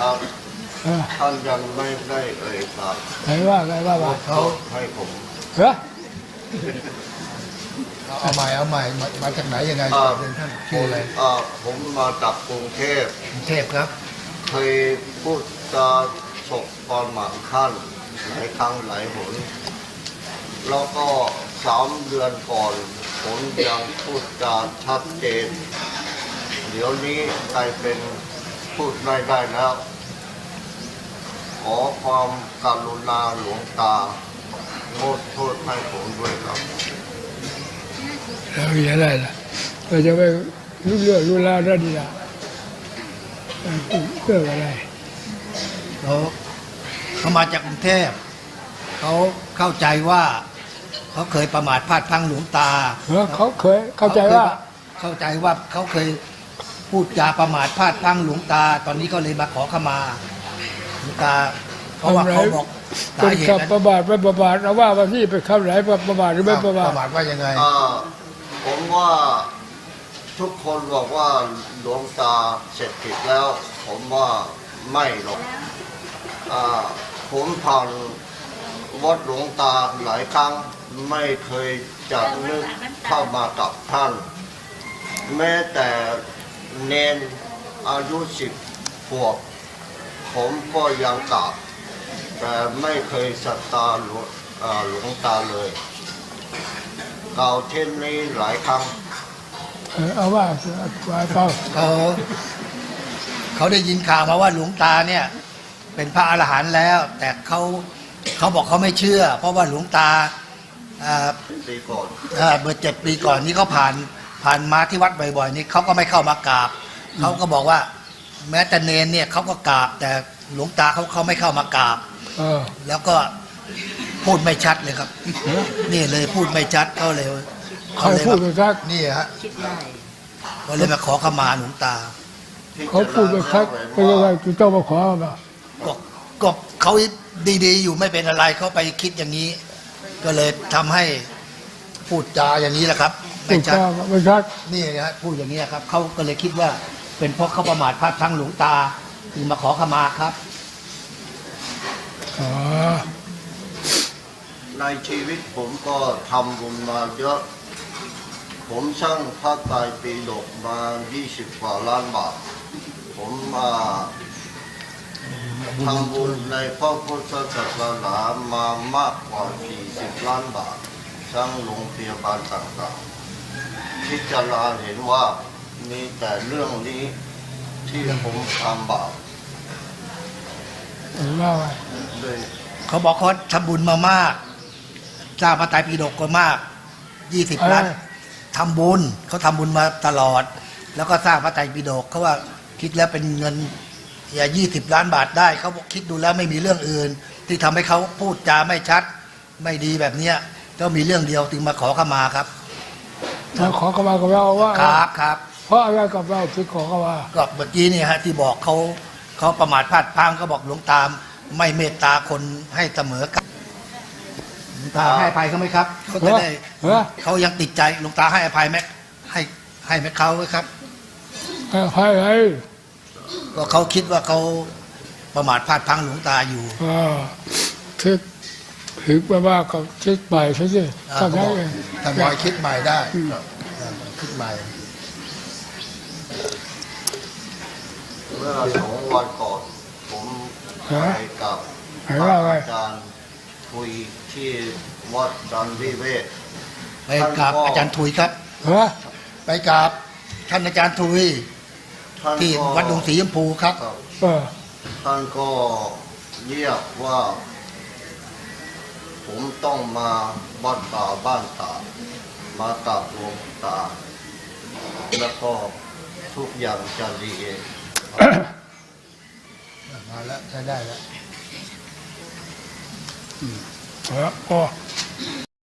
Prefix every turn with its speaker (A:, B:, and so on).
A: ครับท่านยังไม่ได้เอ่ยปาก
B: ไงว่า
A: เขาให้ผม
B: เหรอ
C: เอาใหม่มาจากไหนยังไงเป็นท่านชื่ออะไร
A: ผมมาจากกรุงเทพ
C: ครับ
A: เคยพูดจาฉกตอนหมั่นท่านหลายครั้งหลายหนแล้วก็3 เดือนก่อนผมยังพูดจาชัดเจนเดี๋ยวนี้กลายเป็นพูดไม่ได้แล้วขอความกรุณาหลวงตาโทษให้ผมด้วยครับ
B: แล้วมีอะไรล่ะเราจะไม่รู้เรื่องรู้ราวได้ดีล่ะเรื่องอะไร
C: เขามาจากกรุงเทพเขาเข้าใจว่าเขาเคยประมาทพลาดพลั้งหลวงตา
B: เขาเคยเข้าใจว่า
C: เขาเคยพูดจาประมาทพลาดพลั้งหลวงตาตอนนี้ก็เลยมาขอขมาหลวงตาเพราะว่าเขาบอก
B: เป็นคำประมาทไม่ประมาทเราว่าที่เป็นคำไหนประมาทหรือไม่ประมาท
C: ว่ายังไง
A: ผมว่าทุกคนบอกว่าหลวงตาเสร็จผิดแล้วผมว่าไม่หรอกผมผ่านวัดหลวงตาหลายครั้งไม่เคยจะนึกเข้ามากับท่านแม้แต่เนนอายุ10 ขวบผมก็ยังกราบแต่ไม่เคยศรัทธาหลวงตาเลยกล่าวเช่นนี้หลายครั้ง
B: เอาว่า
C: เขาได้ยินข่าวมาว่าหลวงตาเนี่ยเป็นพระอรหันต์แล้วแต่เขาบอกเขาไม่เชื่อเพราะว่าหลวงตา
A: ปีก่อน
C: เมื่อ7 ปีก่อนนี้เขาผ่านมาที่วัดบ่อยๆนี่เขาก็ไม่เข้ามากราบเขาก็บอกว่าแม้แต่เนนเนี่ยเขาก็กราบแต่หลวงตาเขาไม่เข้ามากราบแล้วก็พูดไม่ชัดเลยครับนี่เลยพูดไม่ชัดเขาเลย
B: พูดไม่ชัด
C: นี่ฮะเขาเลยมาขอขมาหลวงตา
B: เขาพูดไม่ชัดเป็นอะไรคุณเจ้ามาขอมา
C: ก็เขาดีๆอยู่ไม่เป็นอะไรเขาไปคิดอย่างนี้ก็เลยทำให้พูดจาอย่างนี้แหละครับ
B: ไม่ชัด
C: นี่นะฮะพูดอย่างนี้ครับเขาก็เลยคิดว่าเป็นเพราะเขาประมาทพลาดพลั้งหลวงตาจึงมาขอขมาครับ
A: ในชีวิตผมก็ทำบุญมาเยอะผมสร้างพระไตรปิฎกมา20 กว่าล้านบาทผมทำบุญในพระพุทธศาสนามามากกว่า40 ล้านบาทสร้างโรงพยาบาลต่างๆพิจารณาเห็นว่ามีแต่เรื่องนี้ที่ผมทำบาป
C: เขาบอกเขาทำบุญมามากสร้างพระไตรปิฎกก็มาก20 ล้านทำบุญเขาทำบุญมาตลอดแล้วก็สร้างพระไตรปิฎกเขาว่าคิดแล้วเป็นเงิน20 ล้านบาทได้เขาบอกคิดดูแล้วไม่มีเรื่องอื่นที่ทำให้เขาพูดจาไม่ชัดไม่ดีแบบเนี้ยก็มีเรื่องเดียวจึงมาขอขมาครับ
B: มาขอขมากับเราว่า
C: ครับ
B: เพราะอะไรกับเราถึงขอขมา
C: ก็เมื่อกี้นี่ฮะที่บอกเขาประมาทพลาดพลั้งเขาบอกหลวงตาไม่เมตตาคนให้เสมอกันหลวงตาให้อภัยเขาไหมครับเขาจะได้เขายังติดใจหลวงตาให้อภัยไหมให้ไหมเขาครับ
B: ให้
C: ก็เขาคิดว่าเขาประมาทพลาดพลั้งหลวงตาอยู่
B: ถึงว่าเขาคิดใหม่ใช่ไหม
C: ทำได้คิดใหม่ได้คิดใหม่
A: เมื่อ2 วันก่อนผมไปกับอาจารย์คุยที่วัดจันวิเวศ
C: ไปกับอาจารย์ทุยครับไปกับท่านอาจารย์ทุยที่วัดดงสีชมพูครับ
A: ท่านก็เรียกว่าผมต้องมาวัดป่าบ้านตามากับหลวงตาแล้วก็ทุกอย่างจะดีเอง
C: มาแล้วใช้ได้แล้ว
B: ก็